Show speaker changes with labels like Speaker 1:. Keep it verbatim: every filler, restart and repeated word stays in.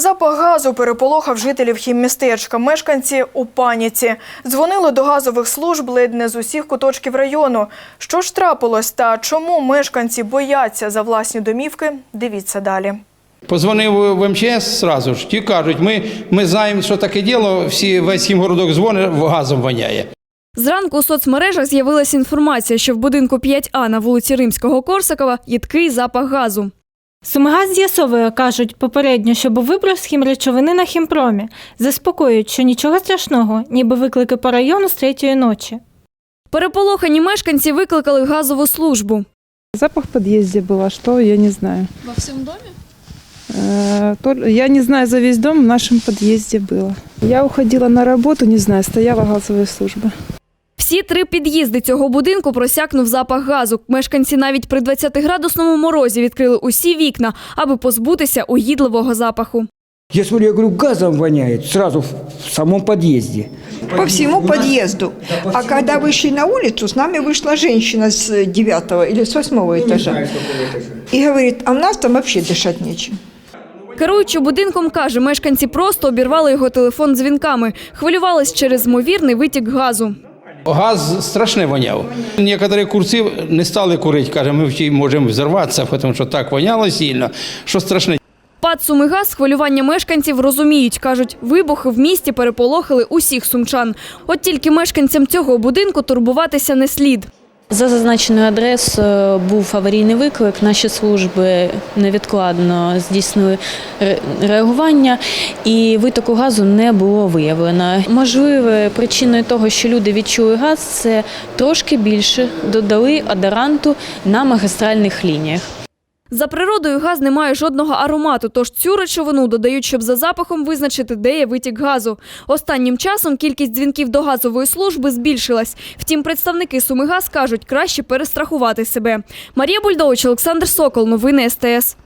Speaker 1: Запах газу переполохав жителів хіммістечка. Мешканці у паніці. Дзвонили до газових служб ледь не з усіх куточків району. Що ж трапилось та чому мешканці бояться за власні домівки? Дивіться далі.
Speaker 2: Позвонив в ем че ес одразу ж, ті кажуть, ми, ми знаємо, що таке діло, всі, весь хімгородок дзвонить, газом воняє.
Speaker 3: Зранку у соцмережах з'явилася інформація, що в будинку п'ять А на вулиці Римського-Корсакова їдкий запах газу.
Speaker 4: Сумигаз з'ясовує, кажуть, попередньо, що був виброс хімречовини на хімпромі. Заспокоюють, що нічого страшного, ніби виклики по району з третьої ночі.
Speaker 3: Переполохані мешканці викликали газову службу.
Speaker 5: Запах в подъезде был, а что, я не знаю.
Speaker 3: Во всьому домі?
Speaker 5: Э, Я не знаю за весь дом, в нашем подъезде было. Я уходила на работу, не знаю, стояла газовая служба.
Speaker 3: Всі три під'їзди цього будинку просякнув запах газу. Мешканці навіть при двадцятиградусному морозі відкрили усі вікна, аби позбутися угідливого запаху.
Speaker 6: Я смотрю, я говорю, газом воняет сразу в самом подъезде.
Speaker 7: По всему подъезду. А когда вышли на улицу, с нами вышла женщина с девятого или с восьмого этажа. И говорит, а в нас там вообще дышать нечем.
Speaker 3: Керуючи будинком, каже, мешканці просто обірвали його телефон дзвінками. Хвилювались через ймовірний витік газу.
Speaker 2: Газ страшне воняв. Некоторі курці не стали курити, каже, ми всі можемо взорватися, тому що так воняло сильно, що страшне.
Speaker 3: ПАД «Сумигаз» хвилювання мешканців розуміють. Кажуть, вибухи в місті переполохали усіх сумчан. От тільки мешканцям цього будинку турбуватися не слід.
Speaker 8: За зазначеною адресою був аварійний виклик. Наші служби невідкладно здійснили реагування і витоку газу не було виявлено. Можливо, причиною того, що люди відчули газ, це трошки більше додали одоранту на магістральних лініях.
Speaker 3: За природою газ не має жодного аромату, тож цю речовину додають, щоб за запахом визначити, де є витік газу. Останнім часом кількість дзвінків до газової служби збільшилась. Втім, представники «Сумигаз» кажуть, краще перестрахувати себе. Марія Бульдович, Олександр Сокол. Новини ес те ес.